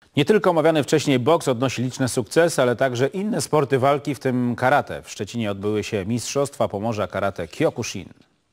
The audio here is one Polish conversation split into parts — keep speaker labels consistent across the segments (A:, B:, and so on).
A: Nie tylko omawiany wcześniej boks odnosi liczne sukcesy, ale także inne sporty walki, w tym karate. W Szczecinie odbyły się Mistrzostwa Pomorza Karate Kyokushin.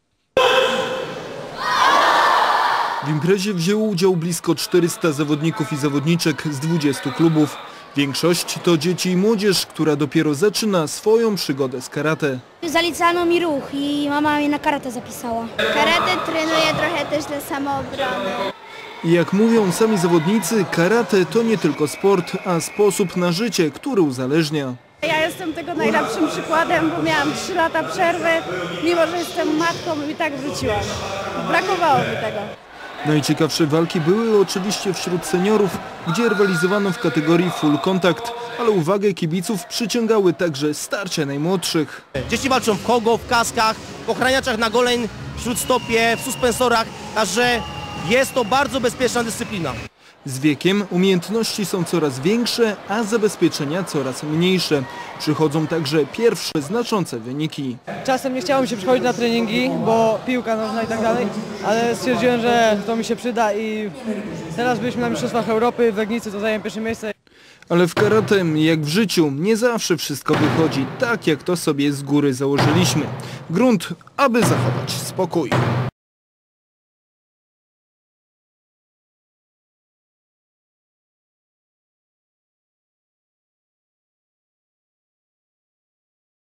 B: W imprezie wzięło udział blisko 400 zawodników i zawodniczek z 20 klubów. Większość to dzieci i młodzież, która dopiero zaczyna swoją przygodę z karate.
C: Zalicano mi ruch i mama mnie na karate zapisała.
D: Karate trenuję trochę też dla samoobrony.
B: I jak mówią sami zawodnicy, karate to nie tylko sport, a sposób na życie, który uzależnia.
E: Ja jestem tego najlepszym przykładem, bo miałam 3 lata przerwy, mimo że jestem matką i tak wróciłam. Brakowało mi tego.
B: Najciekawsze walki były oczywiście wśród seniorów, gdzie rywalizowano w kategorii full contact, ale uwagę kibiców przyciągały także starcia najmłodszych.
F: Dzieci walczą w kogo, w kaskach, w ochraniaczach na goleń, w śródstopie, w suspensorach, także jest to bardzo bezpieczna dyscyplina.
B: Z wiekiem umiejętności są coraz większe, a zabezpieczenia coraz mniejsze. Przychodzą także pierwsze znaczące wyniki.
G: Czasem nie chciało mi się przychodzić na treningi, bo piłka nożna i tak dalej, ale stwierdziłem, że to mi się przyda i teraz byliśmy na Mistrzostwach Europy w Legnicy, to zająłem pierwsze miejsce.
B: Ale w karate, jak w życiu, nie zawsze wszystko wychodzi tak, jak to sobie z góry założyliśmy. Grunt, aby zachować spokój.